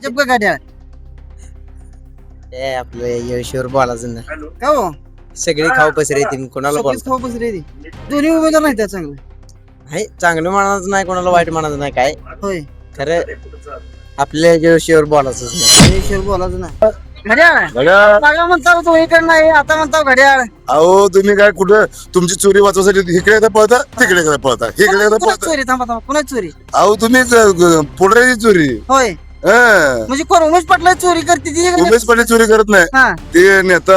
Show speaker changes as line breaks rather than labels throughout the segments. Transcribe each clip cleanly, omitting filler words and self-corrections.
भाजप का घड्याळ?
ए आपलं यशवर बोलायचं ना.
का हो
सगळे खाऊ पसरे येतील कोणाला
सगळीच
बोलतो
खाऊ बसले ती. दोन्ही उमेदवार नाही त्या चांगले.
आहे चांगलं म्हणायचं नाही कोणाला वाईट म्हणायचं नाही काय
होय
खरं आपल्या यशवर बोलायचंच नाही.
ईश्वर बोलायचं नाही. घड्याळ मागं म्हणता तो इकडे नाही आता म्हणता घड्याळ.
अहो तुम्ही काय कुठं तुमची चोरी वाचवायसाठी इकडे एकदा पळता तिकडे एकदा पळता इकडे एकदा
कुणाची
पळता.
चोरी थांबा थांबा कुणाची चोरी?
अहो तुम्ही पुढऱ्याची चोरी
होय
हं.
म्हणजे कोण उमेश पाटला चोरी करते ती का?
उमेश पाटील चोरी करत नाही
हा
ते नेता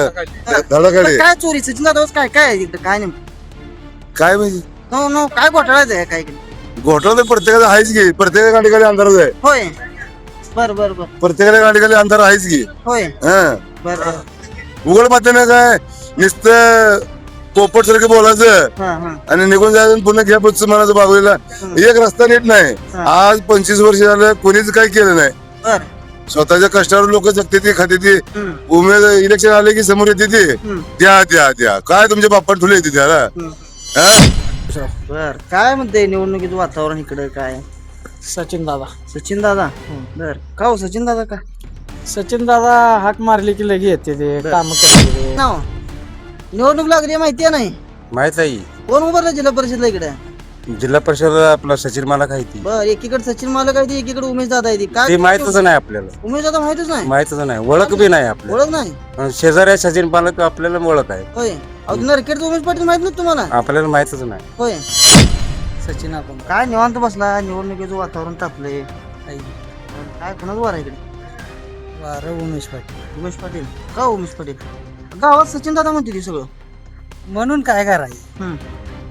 धडाकडे
पण काय चोरी सचिन दादा काय काय आहे तिकडे काय नेमकं?
काय म्हणजे
नो नो काय घोटाळाच आहे काय इकडे?
घोटाळा तर प्रत्येकाचा आहेच की प्रत्येका गाडीखाली अंधारच आहे
होय बर बर बर
प्रत्येकाच्या गाडीखाली अंधार आहेच की
होय
हं.
बर बर
उघड मात्र काय नुसतं पोपट सारखं बोलायचं
हा हा
आणि निघून जायचं आणि पुन्हा घ्या पुढचं म्हणायचं बागुलीला एक रस्ता नीट नाही
हा.
आज 25 वर्ष झालं कोणीच काही केलं नाही
बर
स्वतःच्या कष्टावर लोक जगते ती खाते ती
हम्म,
उमेद इलेक्शन आले की समोर येते ती
हम्म,
द्या द्या द्या काय तुमच्या बाप्पा ठुले येते त्याला
हम्म.
हा?
बर काय म्हणते निवडणुकीचं वातावरण इकडे काय?
सचिन दादा
सचिन दादा बर का हो सचिन दादा का
सचिन दादा हाक मारली की लगे येते ते
बर.
काम करते ते.
नाव निवडणूक लागली माहिती आहे नाही
माहित आहे
कोण उभारलं जिल्हा परिषदला इकडे?
जिल्हा परिषद आपला सचिन मालक आहे ती
बर एकीकडे सचिन मालक आहे ती, एकीकडे उमेश दादा आहे ती. काय
ते माहितच नाही आपल्याला
उमेश दादा माहितच नाही
माहितच नाही ओळख बी नाही आपल्याला
ओळख नाही
शेजारी आहे सचिन मालक आपल्याला ओळख आहे
होय अजून नरखेडचं उमेश पाटील माहित नाही तुम्हाला?
आपल्याला माहितच नाही
होय
सचिन आपण
काय निवांत बसला निवडणुकीचं वातावरण तापलंय काय कोणाच वार आहे इकडे?
वारं उमेश पाटील
उमेश पाटील का हो उमेश पाटील? गावात सचिन दादा म्हणते ती सगळं
म्हणून काय करायचं
हम्म.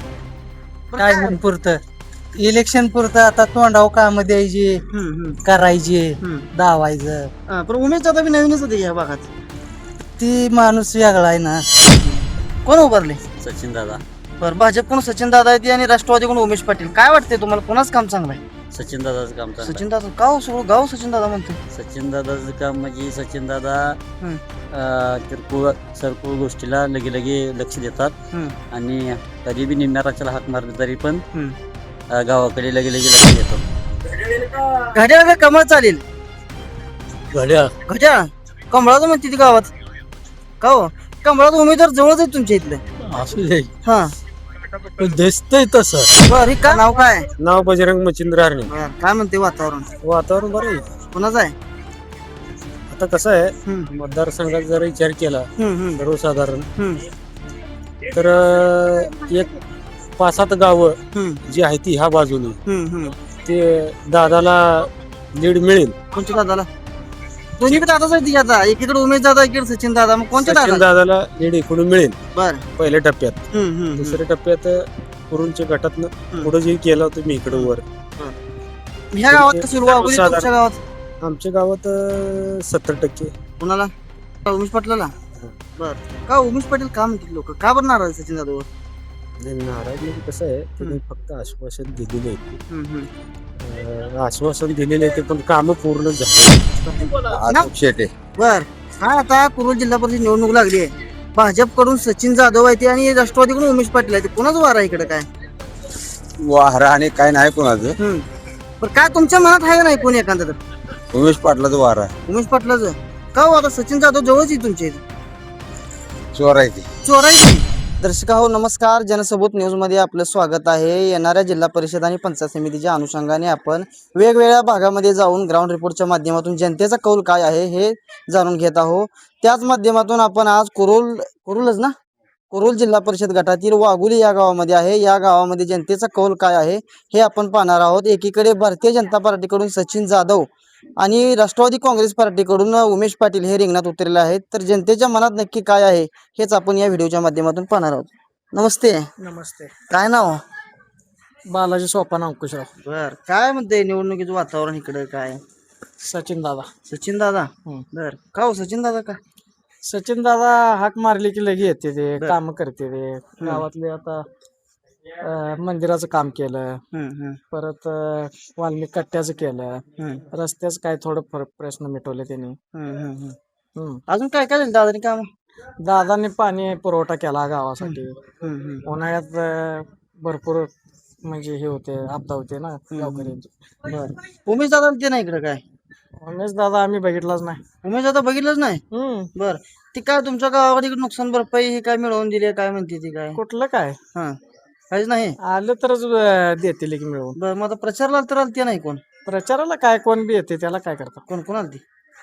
बरं
काय म्हणून पुरतं इलेक्शन पुरतं आता तोंडाव काम द्यायची
हम्म, हम्म,
करायची
हम्म.
दावायचं
हा, पण उमेश दादा बी नवीनच होते या भागात.
ती माणूस वेगळा आहे ना.
कोण उभारले?
सचिन दादा
बरं भाजप कोण सचिन दादा आहे ती आणि राष्ट्रवादी कोण उमेश पाटील. काय वाटतंय तुम्हाला कोणाच काम चांगलं आहे?
सचिन दादाचं काम
सचिन दादा का हो सगळं गाव सचिन दादा म्हणते?
सचिन दादाचं काम म्हणजे सचिन दादा
हम्म,
किरकोळ सरकोळ गोष्टीला लगे लगे लक्ष देतात
हम्म,
आणि कधी बी निम्म्याराच्याला हाक मारले तरी पण
हम्म.
गावाकडे लगे लगे लक्ष देतात.
घड्याळ का कमळ चालेल?
घड्याळ
घड्याळ कमळाचं म्हणते ती गावात का हो? कमळाचा उमेदवार जवळच आहे तुमच्या इथलं.
असू दे
हा
दिसतंय तसं.
बरं हे का नाव काय?
नाव बजरंग मच्छिंद्र हरणे.
बरं काय म्हणते वातावरण
वातावरण बरं आहे.
कोणाचं आहे?
आता कसं आहे
हम्म,
मतदारसंघात जर विचार केला
हम्म, हम्म,
सर्वसाधारण
हम्म,
तर एक 5-7 गावं
हम्म,
जी आहे ती ह्या बाजूने
हम्म, हम्म.
ते दादाला लीड मिळेल.
कोणत्या दादाला? दोन्हीकडे दादाच आहे ती आता एकीकडे उमेश दादा एकीकडे सचिन दादा मग कोणत्या
सचिन
दादा?
दादाला लीड इकडून मिळेल
बर
पहिल्या टप्प्यात. दुसऱ्या टप्प्यात कुरुंच्या गटातनं पुढे जे केलं होतं मी इकडे वर
ह्या गावात कसं वागोली
साधारण-
तुमच्या गावात
आमच्या गावात 70%.
कुणाला? का उमेश पाटलाला? बर का उमेश पाटील का म्हणतील लोक का बरं नाराज आहे सचिन दादावर?
नाराज म्हणजे कसं आहे त्यांनी फक्त आश्वासन दिलेले आहे.
हम्म, हम्म.
आश्वासन दिलेले आहे ते पण कामं पूर्ण झाले.
आजोब शेटे
बर काय आता कुरुल जिल्हा परिषद निवडणूक लागली आहे भाजपकडून सचिन जाधव आहे ते आणि राष्ट्रवादीकडून उमेश पाटील आहे ते कोणाचं वार आहे इकडे काय?
वारा आणि काय नाही कोणाचं
हम्म. बरं काय तुमच्या मनात आहे का नाही कोणी एखादा तर
उमेश पाटलाचं वारा
उमेश पाटलाचं का हो आता सचिन जाधव जवळच आहे तुमच्या इथे
चोर आहे ती.
चोरायची. दर्शका हो नमस्कार जनसबूत न्यूज मध्ये आपलं स्वागत आहे. येणाऱ्या जिल्हा परिषद आणि पंचायत समितीच्या अनुषंगाने आपण वेगवेगळ्या भागामध्ये जाऊन ग्राउंड रिपोर्टच्या माध्यमातून जनतेचा कौल काय आहे हे जाणून घेत आहोत. त्याच माध्यमातून आपण आज कुरुलच ना कुरुल जिल्हा परिषद गटातील वाघुली या गावामध्ये आहे. या गावामध्ये जनतेचा कौल काय आहे हे आपण पाहणार आहोत. एकीकडे भारतीय जनता पार्टीकडून सचिन जाधव आणि राष्ट्रवादी काँग्रेस पार्टीकडून उमेश पाटील हे रिंगणात उतरलेले आहेत. तर जनतेच्या मनात नक्की काय आहे हेच आपण या व्हिडिओच्या माध्यमातून पाहणार आहोत. नमस्ते.
नमस्ते.
काय नाव?
बालाजी सोपान अंकुशराव.
बर काय म्हणते निवडणुकीचं वातावरण इकडे काय?
सचिन दादा.
सचिन दादा
हम्म.
बर का हो सचिन दादा का?
सचिन दादा हाक मारली की लगे येते ते
बर.
काम करते ते गावातले आता मंदिराचं काम केलं.
हम्म, हम्म,
परत वाल्मिक कट्ट्याचं केलं.
हम्म,
रस्त्याचं काय थोडं प्रश्न मिटवले त्यांनी.
हम्म, हम्म, हम्म.
हम्म.
अजून काय काय झालं दादानी काम?
दादांनी पाणी पुरवठा केला गावासाठी.
हम्म, हम्म.
उन्हाळ्यात भरपूर म्हणजे हे होते आपदा होते ना गावकऱ्यांची.
बर उमेश दादा ते नाही इकडे काय?
उमेश दादा आम्ही बघितलाच नाही.
उमेश आता बघितलंच नाही. बर ती काय तुमच्या गावावर इकडे नुकसान भरपाई हे काय मिळवून दिली काय म्हणते ती काय?
कुठलं काय
हा काहीच नाही.
आलं तरच देतील की मिळवून.
बर मग आता प्रचारला तर आलते नाही कोण
प्रचाराला काय कोण बी येते त्याला काय करतात.
कोण कोण आलती?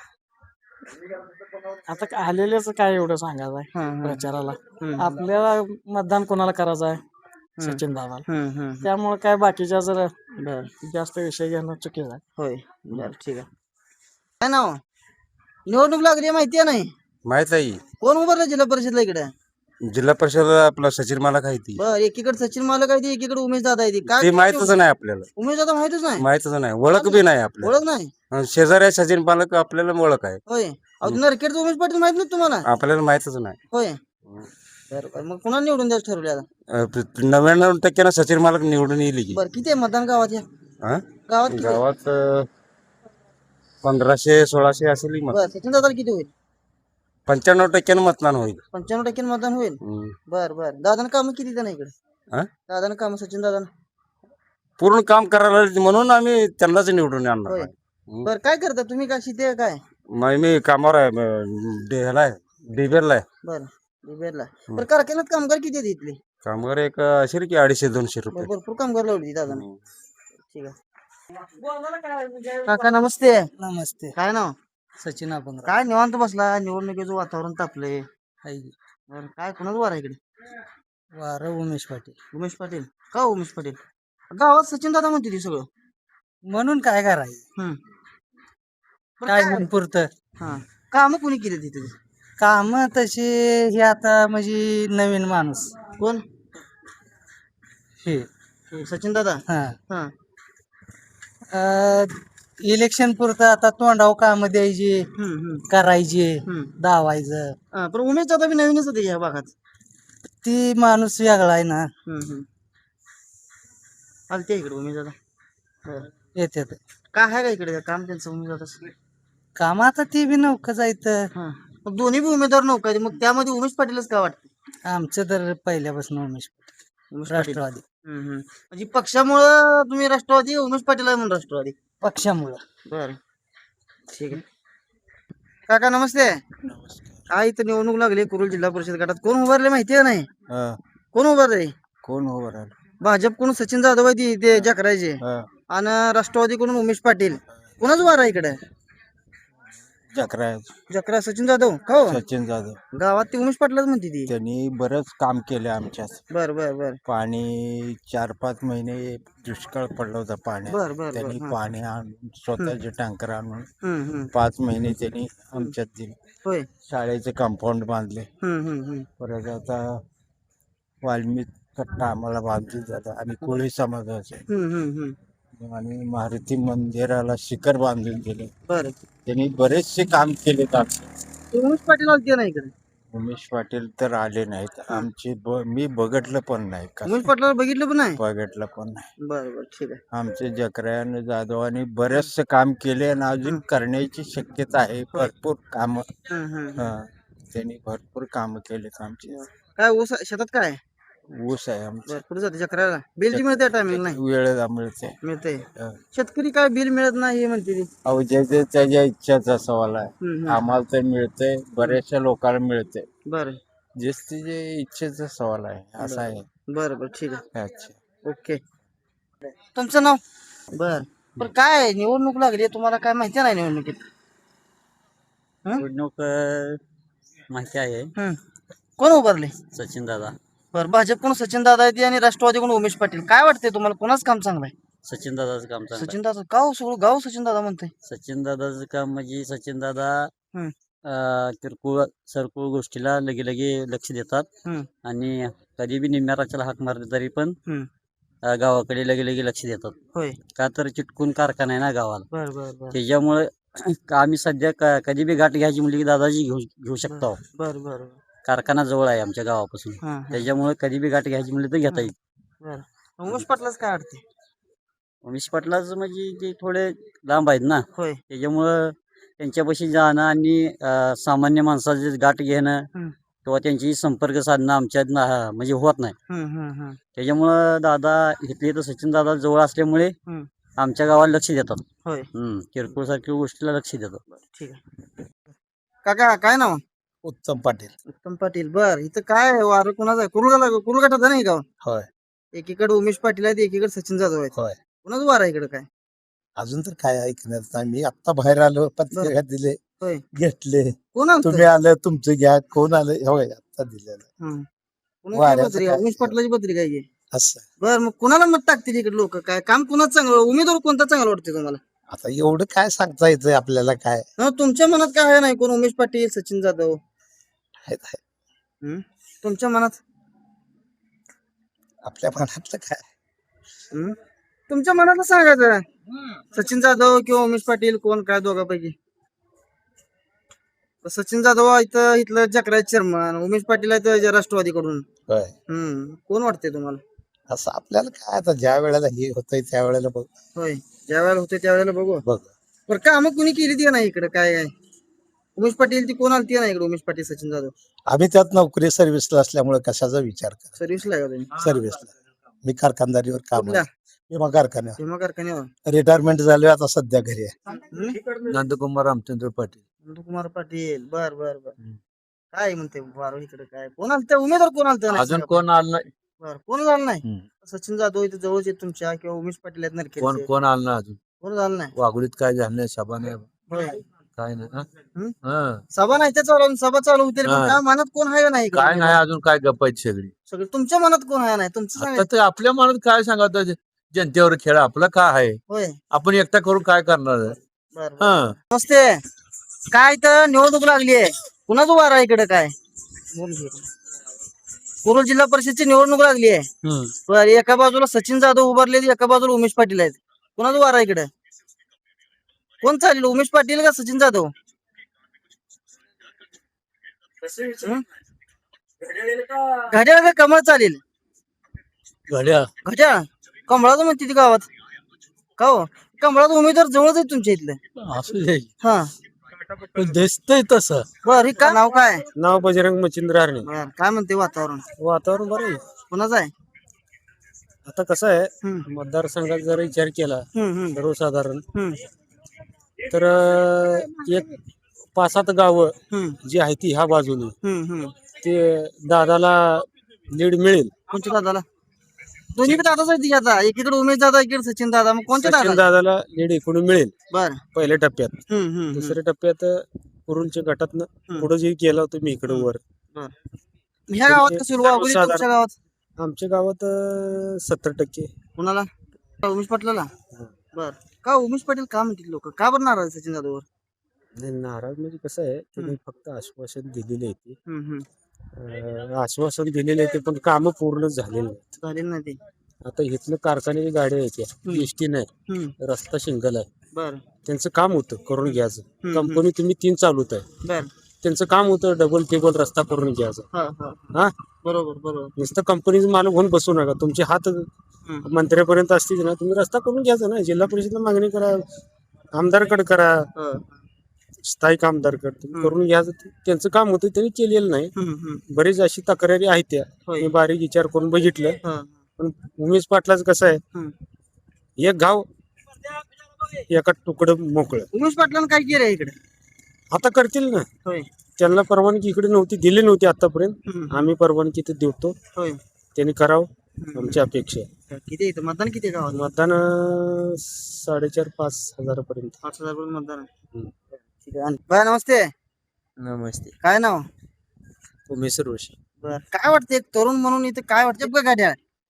आता आलेलेच काय एवढं सांगायचं आहे
हा, हा.
प्रचाराला.
हम्म.
आपल्याला मतदान कोणाला करायचं आहे? सचिन दादाला.
हम्म.
त्यामुळे काय बाकीच्या जर
बर
जास्त विषय घेणं चुकीचं आहे.
होय बर ठीक आहे. काय नाव निवडणूक लागली माहिती आहे नाही?
माहित आहे
कोण उभारलं जिल्हा परिषदला इकडे?
जिल्हा परिषद आपला सचिन मला काय ती
बर एकीकडे सचिन मालक आहे ती एकीकडे उमेश दादा आहे ती
ते
काय
माहितच नाही आपल्याला.
उमेश दादा माहितच नाही.
माहितच नाही, ओळख बी नाही आपल्याला.
ओळख नाही.
शेजारी सचिन पालक आपल्याला ओळख आहे,
होय अहो नरखेडचं उमेश पाटील माहित नाही तुम्हाला?
आपल्याला माहितच नाही.
होय बरं मग कुणाला निवडून द्यायचं ठरवलं आता?
99% सचिन मालक निवडून येईल की.
बरं किती आहे मतदान गावात या
हा?
गावात किती आहे?
गावात 1500-1600 असेल मत.
बरं सचिन दादा किती होईल?
95% मतदान होईल.
95% मतदान होईल. बर दादानं काम किती देणं इकडे?
हा?
दादानं काम सचिन दादानं
पूर्ण काम करायला म्हणून आम्ही त्यांनाच निवडून आणणार
होय.
आहे.
बरं काय करता तुम्ही काय शेती आहे काय?
मी कामावर आहे, ह्याला आहे, डिबेरला आहे.
बरं बिबेरला. बरं कारखान्यात कामगार किती आहेत इथले?
कामगार एक असेल की 250-200 रुपये.
भरपूर कामगार लावली दादानं. ठीक आहे. काका नमस्ते.
नमस्ते.
काय नाव?
सचिन आपण
काय निवांत बसला निवडणुकीचं वातावरण तापलंय. बरं काय कुणाच वार आहे इकडे?
वार उमेश पाटील.
उमेश पाटील का उमेश पाटील? गावात सचिन दादा म्हणते ती सगळं.
म्हणून काय करायचं?
हम्म. बरं,
काय
काय?
म्हणून पुरतं
हा काम कोणी केली तिथे?
काम तशी हे आता म्हणजे नवीन माणूस
कोण?
हे
सचिन दादा.
हा
हा
इलेक्शन पुरतं आता तोंडाव काम द्यायचे करायचे दावायचं.
पण उमेश दादा बी नवीनच होते या भागात.
ती माणूस वेगळा आहे ना.
आलते इकडे उमेश दादा. बरं.
येते
काय आहे का इकडे काम त्यांचं उमेश दादा?
काम आता ती बी नौका जायचं.
हा मग दोन्ही बी उमेदवार नव्हते आहेत. मग त्यामध्ये उमेश पाटीलच का वाटतं?
आमचं तर पहिल्यापासून उमेश
उमेश पाटील.
राष्ट्रवादी
म्हणजे पक्षामुळं तुम्ही राष्ट्रवादी उमेश पाटील आहे म्हणून राष्ट्रवादी.
पक्षामुळं.
बर ठीक आहे. काका नमस्ते. काय इथं निवडणूक लागली कुरुल जिल्हा परिषद गटात कोण उभारले माहिती आहे नाही? कोण उभारले?
कोण उभं राहिलं?
भाजपकडून सचिन जाधव आहे ते जकरायचे आणि राष्ट्रवादीकडून उमेश पाटील. कोणाच वार आहे इकडे? जकरा सचिन जाधव का हो?
सचिन जाधव
गावात ती उमेश पाटीलच म्हणते ती.
त्यांनी बरंच काम केलं आमच्यात.
बर
पाणी 4-5 महिने दुष्काळ पडला होता पाण्यात. त्यांनी पाणी आणून स्वतःचे टँकर आणून 5 महिने त्यांनी आमच्यात दिले.
होय.
शाळेचे कंपाऊंड बांधले. परत आता वाल्मिक कट्टा आम्हाला बांधून जातात. आम्ही कोळी समाजाचे आणि मारुती मंदिराला शिखर बांधून दिले.
बर
त्यांनी बरेचसे काम केले.
उमेश पाटील आलते ना इकडे?
उमेश पाटील तर आले नाहीत आमचे. मी बघितलं पण नाही.
उमेश पाटलाला बघितलं पण नाही?
बघितलं पण नाही.
बर ठीक आहे.
आमचे जकरायन जाधवांनी बरेचसे काम केले आणि अजून करण्याची शक्यता आहे. भरपूर काम त्यांनी भरपूर काम केलेत आमचे.
काय ऊस शेतात काय
ऊस आहे आमचं.
पुढे जाते चक्राला बिल मिळते टायमिंग नाही
वेळेला मिळते.
मिळते. शेतकरी काय बिल मिळत नाही हे म्हणते ती.
अहो ज्याच्या त्याच्या इच्छाचा सवाल आहे. आम्हाला तर मिळतंय, बऱ्याचशा लोकांना मिळते.
बर
जे इच्छेचा सवाल आहे असा आहे.
बर ठीक आहे.
अच्छा
ओके. तुमचं नाव? बर काय निवडणूक लागली तुम्हाला काय माहिती नाही निवडणुकीत?
निवडणूक माहिती आहे.
कोण उभारले?
सचिन दादा.
बर भाजपकडून सचिन दादा येते आणि राष्ट्रवादीकडून उमेश पाटील. काय वाटतंय तुम्हाला कोणाच काम चांगलं आहे?
सचिन दादाचं काम चांगलं आहे.
सचिन दादा का सगळं गाव सचिन दादा म्हणते?
सचिन दादाचं काम म्हणजे सचिन दादा किरकोळ सरकोळ गोष्टीला लगे लक्ष देतात आणि कधी बी निम्म्या राच्याला हाक मारले तरी पण गावाकडे लगे लक्ष देतात.
होय.
का तर चिटकून कारखाना आहे ना गावाला.
बर
त्याच्यामुळे आम्ही सध्या कधी बी गाठ घ्यायची म्हणली की दादाजी घेऊ शकतो.
बर
कारखाना जवळ आहे आमच्या गावापासून. त्याच्यामुळे कधी बी गाठ घ्यायची म्हणली तर घेता येईल.
बर उमेश पाटलाच काय वाटते?
उमेश पाटलाच म्हणजे ते थोडे लांब आहेत ना.
होय.
त्याच्यामुळं त्यांच्यापाशी जाणं आणि सामान्य माणसाचे गाठ घेणं किंवा त्यांची संपर्क साधणं आमच्यात म्हणजे होत नाही. त्याच्यामुळं दादा इथले तर सचिन दादा जवळ असल्यामुळे आमच्या गावाला लक्ष देतात.
होय
किरकोळ सारख्या गोष्टीला लक्ष देतात.
ठीक आहे. काका काय नाव?
उत्तम पाटील.
उत्तम पाटील. बर इथं काय आहे? वारं कोणाचं आहे? कुरुल गटाचा नाही गाव?
होय
एकीकडे उमेश पाटील आहेत, एकीकडे सचिन जाधव आहेत.
होय.
कुणाचं वार आहे इकडे काय?
अजून तर काय ऐकण्यात नाही. मी आता बाहेर आलो, पत्रिका दिले,
होय.
घेतले.
कोण आलं?
तुम्ही आलं, तुमचं घ्या. कोण आलं? होय आता दिलेलं. वाऱ्याचं
पत्रिका
काय?
उमेश पाटलाची पत्रिका आहे की.
असं
बर मग कुणाला मत टाकतील इकडे लोक? काय काम कुणाच चांगलं, उमेदवार कोणता चांगला वाटते तुम्हाला?
आता एवढं काय सांगता येतंय आपल्याला? काय
तुमच्या मनात काय आहे? नाही कोण उमेश पाटील, सचिन जाधव?
आहे.
तुमच्या मनात?
आपल्या मनातलं काय?
तुमच्या मनातलं सांगायचं. सचिन जाधव किंवा उमेश पाटील, कोण काय दोघांपैकी? सचिन जाधव इथं इथलं जकराज चेअरमन, उमेश पाटील आहेत राष्ट्रवादीकडून.
होय.
कोण वाटते तुम्हाला?
असं आपल्याला काय, आता ज्या वेळेला हे होतंय त्या वेळेला बघ.
होय ज्या वेळेला होते त्यावेळेला बघू.
बघ
बरं काम कुणी केली ती नाही इकडे? काय उमेश पाटील ती कोण आली ती नाही इकडे? उमेश पाटील, सचिन जाधव
आम्ही त्यात नोकरी सर्व्हिसला असल्यामुळे कशाचा विचार करा.
सर्व्हिसला आहे का तुम्ही?
सर्व्हिसला मी कारखानदारीवर काम
कुठल्या?
विमा कारखान्यावर
भीमा कारखान्यावर.
रिटायरमेंट झालोय, आता सध्या घरी आहे.
नंदकुमार रामचंद्र पाटील.
नंदकुमार पाटील. बर बर बर. काय म्हणते वारो इकडे? काय कोण आलं? उमेदवार कोण आलं?
अजून कोण आलं नाही.
बर कोण झालं नाही? सचिन जाधव इथे जवळच आहेत तुमच्या, किंवा उमेश पाटील आहेत नरखेडचे.
कोण आलं नाही अजून.
कोण झालं नाही?
वाघोलीत काय झालं नाही. सभा नाही,
होय
काय नाही.
सभा नाही, ते चालू सभा चालू होते.
हा.
काय मनात कोण आहे का नाही इकडे?
काय नाही अजून. काय गप्प आहेत सगळी.
सगळे तुमच्या मनात कोण आहे? नाही तुमचं
आता
सांगा.
ते आपल्या मनात काय सांगत जनतेवर खेळ आपला काय आहे.
होय
आपण एकटा करून काय करणार आहे.
बर
हा.
नमस्ते. काय तर निवडणूक लागली आहे, कुणाचं वार आहे इकडे? काय कुरुल जिल्हा परिषदची निवडणूक लागली आहे. बर एका बाजूला सचिन जाधव उभारले, एका बाजूला उमेश पाटील आहेत. कुणाचं वार आहे इकडे? कोण चालेल, उमेश पाटील का सचिन जाधव? घड्याळ का कमळ चालेल? घड्याळ कमळाचं म्हणते ती गावात. का हो कमळाचा उमेदवार जवळच आहे तुमच्या इथलं?
असू
हा
दिसतंय तसं.
बर का नाव काय?
नाव बजरंग मच्छिंद्र हरणे.
बर काय म्हणते वातावरण?
वातावरण बरं आहे.
कुणाचं आहे?
आता कसं आहे,
हम्म,
मतदारसंघात जर विचार केला
हम्म,
सर्वसाधारण,
हम्म,
तर एक 5-7 गावं
हम्म,
जी आहेत ती ह्या बाजूने
हम्म.
ते दादाला लीड मिळेल.
कोणत्या दादाला? दोन्ही दादाच आहे ती आता, एकीकडे उमेश दादा, एकीकडे सचिन दादा. मग कोणत्या
सचिन
दादा?
दादाला लीड एकूण मिळेल
बर
पहिल्या टप्प्यात. दुसऱ्या टप्प्यात कुरुलच्या गटातनं पुढे जे केला होतं मी इकडे वर.
ह्या गावात कसं वागोली? तुमच्या गावात?
आमच्या गावात 70%.
कुणाला? उमेश पाटलाला. बर का उमेश पाटील का म्हणतील लोक? का बरं नाराज सचिन जाधववर?
नाराज म्हणजे कसं आहे, त्यांनी फक्त आश्वासन दिलेले आहे.
हम्म.
आश्वासन दिलेले आहे पण कामं पूर्ण झालेली नाहीत.
झालेलं नाही ते.
आता इथलं कारखान्याची गाड्या आहेत त्या एसटी नाही,
हम्म.
रस्ता सिंगल आहे.
बर
त्यांचं काम होतं करून घ्यायचं.
हम्म.
कंपनी तुम्ही 3 चालवत आहे,
बर
त्यांचं काम होतं डबल टेबल रस्ता करून घ्यायचं. हा
बरोबर.
नुसतं कंपनीचं मालक होऊन बसू नका. तुमचे हात मंत्र्यापर्यंत असतील ना, तुम्ही रस्ता करून घ्यायचा ना. जिल्हा परिषदला मागणी करा, आमदारकडे करा, स्थायिक आमदारकडे तुम्ही करून घ्यायचं. त्यांचं काम होतं, त्यांनी केलेलं नाही. बरेच अशी तक्रारी आहेत त्या मी बारीक विचार करून बघितलं. पण उमेश पाटलाच कसं आहे, एक गाव एका तुकडं मोकळं.
उमेश पाटलांना काय केलंय इकडे?
आता करतील ना.
होय
त्यांना परवानगी इकडे नव्हती, दिली नव्हती आतापर्यंत. आम्ही परवानगी ते देतो,
होय.
त्यांनी करावं आमची अपेक्षा आहे.
किती येतं मतदान? किती गावात?
मतदान 4,500-5 हजारापर्यंत.
5,000 मतदान आहे. ठीक आहे. बाय नमस्ते.
नमस्ते.
काय नाव?
उमेश रोशी.
बर काय वाटतं एक तरुण म्हणून इथे काय वाटतं बघ गाड्या?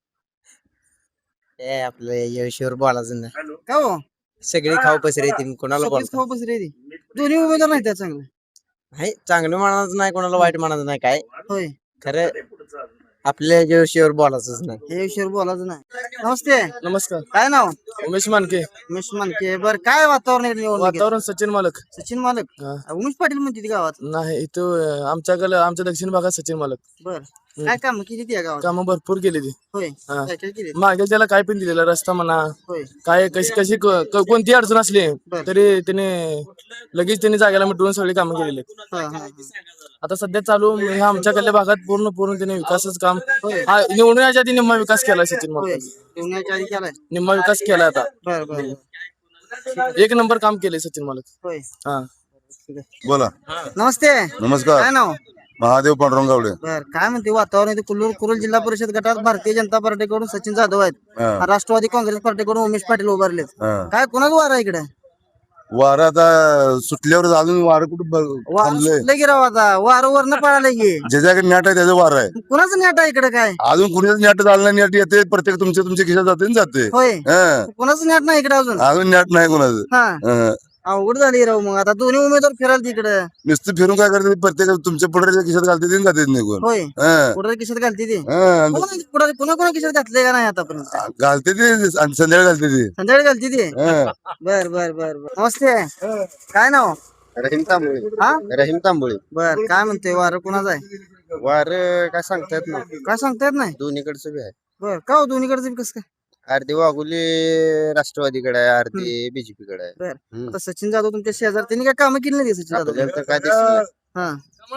आपलं यशवर बोलायचं नाही.
का हो
सगळी खाऊ पसरे येतील, कोणाला
सगळीच खाऊ बसली ती. दोन्ही उमेदवार नाही त्या चांगले.
नाही चांगलं म्हणायचं नाही, कोणाला वाईट म्हणायचं नाही. काय
होय
खरं आपल्या यशवर बोलायचंच नाही.
हे विषयावर बोलायचं नाही. नमस्ते.
नमस्कार.
काय नाव?
उमेश मानके.
उमेश मानके. बर काय वातावरण आहे निवडणुकीत?
वातावरण सचिन मालक.
सचिन मालक.
हा.
उमेश पाटील म्हणते ती गावात.
नाही इथं आमच्या दक्षिण भागात सचिन मालक.
बर काय काम केली ती या गावात?
कामं भरपूर केली ती.
होय
हा.
काय काय केली?
मागे त्याला काय पण दिलेला रस्ता म्हणा,
होय
काय कशी कोणती अडचण असली
बर.
तरी त्याने लगेच त्यांनी जागेला मिटवून सगळी कामं केलेली.
हा.
आता सध्या चालू ह्या आमच्याकडल्या भागात पूर्ण त्याने विकासच काम हा निवडून याच्या आधी निम्मा विकास केला सचिन
होय
मालकांनी.
येण्याच्या आधी केलाय
निम्मा विकास केला आता.
बर बर
एक नंबर काम केले सचिन मालक.
होय
हा
बोला
नमस्ते
नमस्कार
काय नाव
महादेव पांडुरंग गावडे.
बर काय म्हणते वातावरण इथे कुरुल जिल्हा परिषद गटात भारतीय जनता पार्टीकडून सचिन जाधव आहेत
हा,
राष्ट्रवादी काँग्रेस पार्टीकडून उमेश पाटील उभारलेत
हा.
काय कोणाच वार आहे इकडे
वारं आता सुटल्यावर अजून वारं कुठं
वार
थांबलंय.
सुटलं की राव आता वार वरनं पळालं की
ज्याच्याकडे नेट आहे त्याचं वारं आहे.
कुणाचं नेट आहे इकडे काय
अजून कुणीच नेट झालं नाही. नेट येते प्रत्येक तुमच्या खिशात जाते ना जाते.
होय
हा.
कुणाचं नेट नाही इकडे अजून
अजून नेट नाही कोणाचं.
हा
हा.
अवघड झाली राव मग आता दोन्ही उमेदवार फिराल तिकडे
नुसतं फिरून काय करते प्रत्येक तुमच्या पुढे खिशात घालते ते जाते निघून.
होय
हा.
पुढे किशात घालते ते
हा.
पुन्हा किशात घातले का नाही आतापर्यंत
घालते ते आणि संध्याकाळी घालते ते.
संध्याकाळी घालते ते
हा.
बर बर बर बर नमस्ते काय नाव
रहीम तांबोळी
हा
रहीम तांबोळी
बर काय म्हणतोय वार कुणाचं आहे
वार काय सांगता येत नाही.
काय सांगता येत नाही
दोन्हीकडचं बी आहे.
बर का हो दोन्हीकडचं बी कसं काय
अर्धी वाघुली राष्ट्रवादीकडे आहे, अर्धी बीजेपी कडे आहे.
बर
हम्म.
आता सचिन जाधव तुमच्या शेजार त्यांनी काय कामं केली नाही सचिन जाधव
आपल्याला तर काय दिसलं
हा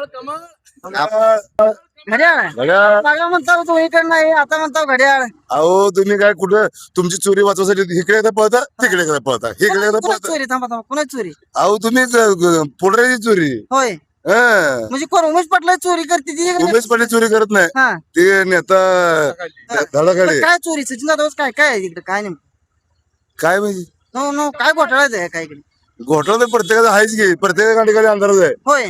आप-
घड्याळ
घड्याळ.
मागा म्हणता दोन्हीकडे नाही आता म्हणता घड्याळ
अहो तुम्ही काय कुठं तुमची चोरी वाचवायसाठी इकडे एकदा पळता तिकडे एकदा पळता इकडे एकदा
कुणाची
पळता.
चोरी थांबा थांबा कुणाची चोरी
अहो तुम्ही पुढऱ्याची चोरी.
होय
हा.
म्हणजे कोण उमेश पाटला चोरी करते ती
उमेश पाटील चोरी करत नाही.
हा
ते नेता धडाकडे
पण काय चोरी सचिन जाधव काय काय आहे तिकडे काय नेमकं
काय म्हणजे
नो नो काय घोटाळाच आहे काय इकडे
घोटाळा तर प्रत्येकाचा आहेच की. प्रत्येका गाडीखाली अंधारच आहे.
होय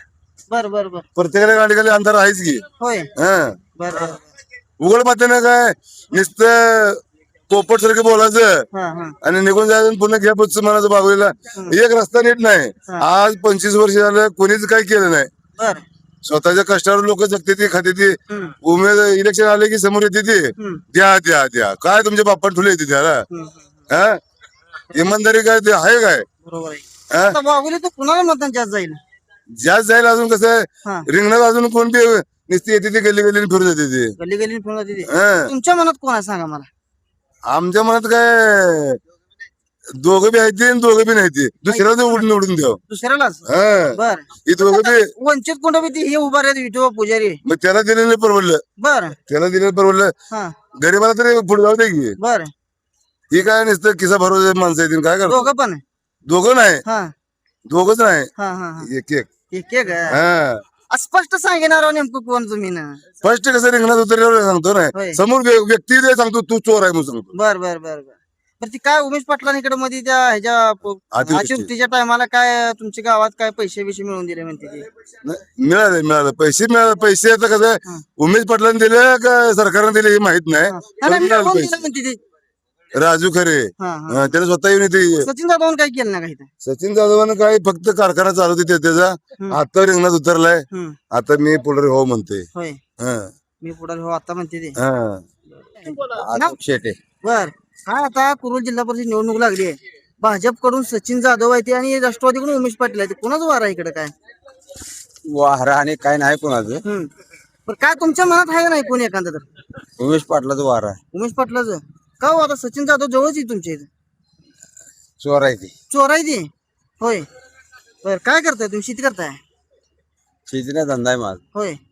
बर बर बर
प्रत्येकाच्या गाडीखाली अंधार आहेच की.
होय
हा.
बर बर
उघड पात्यानं काय नुसतं पोपट सारखं बोलायचं
हा हा
आणि निघून जायचं आणि पुन्हा घ्या पुढचं म्हणायचं बागवीला. एक रस्ता नीट नाही. आज 25 वर्ष झालं कोणीच काही केलं नाही.
बर
स्वतःच्या कष्टावर लोक जगते ती खाते ती.
हम्म.
उमेद इलेक्शन आले की समोर येते ती.
हम्म.
द्या द्या द्या काय तुमच्या बाप्पा ठुले येते त्याला.
हम्म.
हा इमानदारी काय ते आहे काय.
बरोबर आहे
हा?
आता बाहुली तर कुणाला मतदान जास्त जाईल
जास्त जाईल अजून कसं आहे
हा
रिंगणात अजून कोण बी नुसती येते ती गल्ली गल्ली फिरून येते ती.
गल्ली गल्ली फोन होती ती.
हा.
तुमच्या मनात कोण आहे सांगा मला
आमच्या मनात काय दोघं बी आहेत ते आणि दोघं बी नाही ते दुसऱ्याला निवडून द्याव.
दुसऱ्यालाच
हा
बर
ही दोघं बी
वंचित कोण बी ती हे उभा राहते विठोबा पुजारी
मग त्याला दिलेलं परवडलं.
बर
त्याला दिलेलं परवडलं.
हा
गरीबाला तरी पुढे जाऊ दे की.
बर
ही काय नुसतं किसा भरोसे माणसं येतील काय करतो.
दोघं पण
दोघं नाही
हा
दोघच नाही
हा हा हा
एक एक.
एक एक आहे.
हा
स्पष्ट सांगणार आहो नेमकं कोण तुम्ही ना
फर्स्ट कसं रिंगणात उतरल्यावर सांगतो
होय.
नाही समोर व्यक्ती दे सांगतो तू चोर आहे म्हणून सांगतो.
बर बर बर बर तर ती काय उमेश पाटलांकडे मध्ये त्या ह्याच्या
अतिवृष्टी.
अतिवृष्टीच्या टायमाला काय तुमच्या गावात काय पैसे बिशे मिळवून दिले म्हणते ती
नाही, मिळालं पैसे मिळाले. पैसे आता कसं
हा.
उमेश पाटलांनी दिले का सरकारने दिले हे माहित नाही.
नाही,
पण
नाही,
मिळाले
मिळवून
पैसे.
दिलं म्हणते ती
राजू खरे
हा हा
त्याने स्वतः येऊन येते.
सचिन जाधव काय केलं ना काही
सचिन जाधवानं काय फक्त कारखाना चालवते त्याचा.
हम्म.
आता रिंगणात उतरलाय.
हम्म
आता मी पुढे हो म्हणते.
होय
हा.
मी पुढे हो आता म्हणते ते
हा.
ना?
शेटे
बर काय आता कुरुल जिल्हा परिषद निवडणूक लागली आहे भाजपकडून सचिन जाधव आहे ते आणि राष्ट्रवादीकडून उमेश पाटील आहे ते कोणाच वार आहे इकडे काय
वारा आणि काय नाही कोणाचं.
हम्म पण काय तुमच्या मनात आहे का नाही कोणी एखादं तर
उमेश पाटलाचं वारा आहे.
उमेश पाटलाचं का हो आता सचिन जाधव जवळच आहे तुमच्या इथे
चोर आहे ती.
चोर आहे ते होय बर काय करताय तुम्ही शेती करताय
शेतीचा धंदा आहे माझा.
होय